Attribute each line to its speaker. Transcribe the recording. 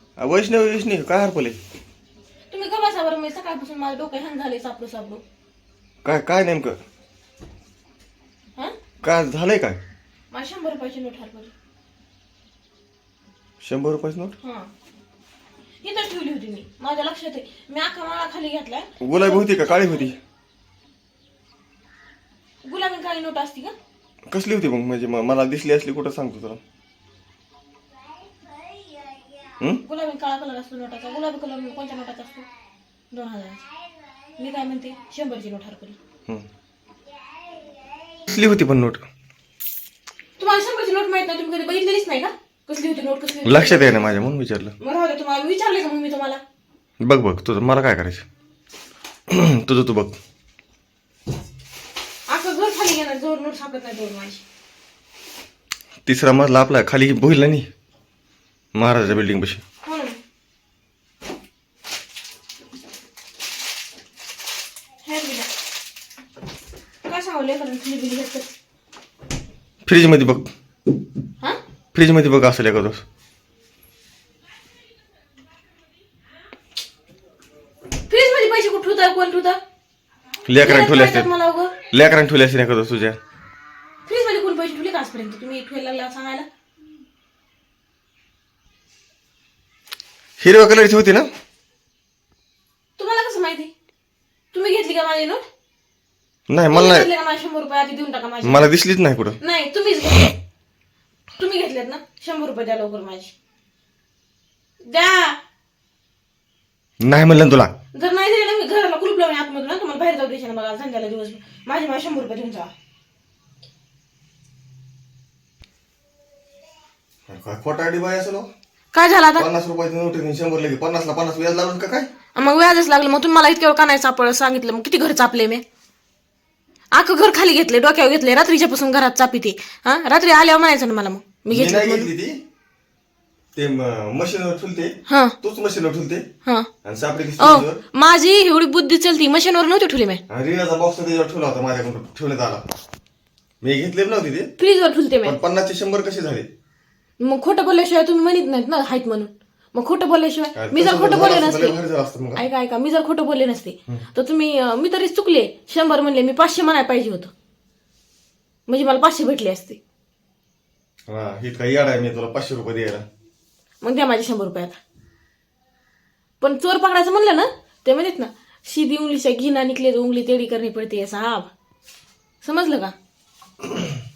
Speaker 1: वैष्णवी वैष्णवी काय हरपले?
Speaker 2: तुम्ही का बसावर मी सकाळपासून माझं डोकं हँग झाले सापडू सापडू.
Speaker 1: काय काय नेमकं
Speaker 2: हा
Speaker 1: काय झालंय? काय
Speaker 2: मला 100 रुपयाची नोट हरपली.
Speaker 1: 100 रुपयाची नोट?
Speaker 2: हा इथं ठेवली होती मी, माझ्या लक्षात आहे. मी अख्खा माळा खाली घेतलाय.
Speaker 1: गुलाबी होती का काळी होती?
Speaker 2: गुलाबी काळी नोट असती का?
Speaker 1: कसली होती मग? म्हणजे मला दिसली असली कुठं सांगतो तुला.
Speaker 2: गुलाबी काळा कलर असतो नोटाचा. गुलाबी कलर कोणत्या नोटाचा असतो? 2000. मी काय म्हणते 100ची नोट हरपली.
Speaker 1: कसली होती पण नोट?
Speaker 2: तुम्हाला 100ची नोट माहित नाही? तुम्ही कधी बघितलेलीच नाही का? कसली होती नोट? कसली होती?
Speaker 1: लक्षात आहे ना माझ्या, म्हणून विचारलं.
Speaker 2: मग राहू दे, तुम्हाला विचारले का मग मी तुम्हाला?
Speaker 1: बघ बघ तुझं, मला काय करायचं? तुझं तू बघ.
Speaker 2: आता घर खाली घेणार जोर नोट सापडत नाही जोर माझी.
Speaker 1: 3रा मजला आपला खाली बोलला नाही महाराजा बिल्डिंग पाशी.
Speaker 2: हो ना. काय सांगू लेकरांनी खाली बिली घेतलं?
Speaker 1: फ्रीज मध्ये बघ.
Speaker 2: हा
Speaker 1: फ्रीज मध्ये बघ असेल एखादं.
Speaker 2: फ्रीज मध्ये पैसे कुठं ठेवता? कोण ठेवता?
Speaker 1: लेकरांनी ठेवले असते.
Speaker 2: मला उगं
Speaker 1: लेकरांनी ठेवले असते एखादं तुझ्या.
Speaker 2: फ्रीज मध्ये कोण पैसे ठेवले का आजपर्यंत? तुम्ही ठेवायला लागला सांगायला.
Speaker 1: हिरव्या कलरची होती ना?
Speaker 2: तुम्हाला कसं माहिती? तुम्ही घेतली का माझी नोट?
Speaker 1: नाही मला नाही,
Speaker 2: घेतले का? माझे 100 रुपये आधी देऊन टाका माझी.
Speaker 1: मला दिसलीच नाही कुठं.
Speaker 2: नाही तुम्हीच घेतले. तुम्ही घेतलेत ना? 100 रुपये द्या लवकर माझी. द्या.
Speaker 1: नाही म्हणलं ना तुला.
Speaker 2: जर नाही दिले ना मी घराला कुलूप लावून आतमधून ना तुम्हाला बाहेर जाऊ द्यायचे ना. बघा संध्याला दिवस माझे 100 रुपये देऊन जा.
Speaker 1: काय खोटा आडी बाय असं?
Speaker 2: काय झालं आता?
Speaker 1: 50 रुपयाची नोट 100 लगे 50 ला 50 व्याज लागलं का काय?
Speaker 2: मग व्याजच लागलं. मग तुम्ही मला इतक्या वेळ का नाही चापळ सांगितलं? मग किती घर चापले मी? अख्खं घर खाली घेतले, डोक्यावर घेतले. रात्रीच्या पासून घरात चापी ते. हा रात्री आल्यावर म्हणायचं ना मला मग मी
Speaker 1: मी नाही
Speaker 2: घेतली.
Speaker 1: घेतली ती. ते मशीनवर ठेवते.
Speaker 2: हा
Speaker 1: तूच मशीनवर ठेवते
Speaker 2: हा
Speaker 1: आणि सापडी
Speaker 2: ओ
Speaker 1: स्टेजवर.
Speaker 2: माझी एवढी बुद्धी चलती. मशीनवर नव्हती ठेवली मी.
Speaker 1: रिणाचा बॉक्स त्याच्यावर ठेवला होता माझ्याकडून ठेवण्यात आला. मी घेतले नव्हती ते.
Speaker 2: फ्रीजवर ठेवते मी.
Speaker 1: पण 50 चे 100 कसे झाले?
Speaker 2: मग खोटं बोलल्याशिवाय तुम्ही म्हणत नाहीत ना हायत म्हणून. मग खोटं बोलल्याशिवाय मी जर खोटं बोलले नसते, ऐका ऐका, मी जर खोटं बोलले नसते तर तुम्ही मी तरी चुकले. 100 म्हणले, मी 500 म्हणायला पाहिजे होतं. म्हणजे मला 500 भेटले असते.
Speaker 1: ही काही याड आहे मी तुला 500 रुपये द्यायला.
Speaker 2: मग द्या माझे 100 रुपये आता. पण चोर पकडायचं म्हणलं ना ते म्हणत ना, सीधी उंगली से घी ना निकले तो उंगली टेढ़ी करनी पड़ती है साहब. समजलं का?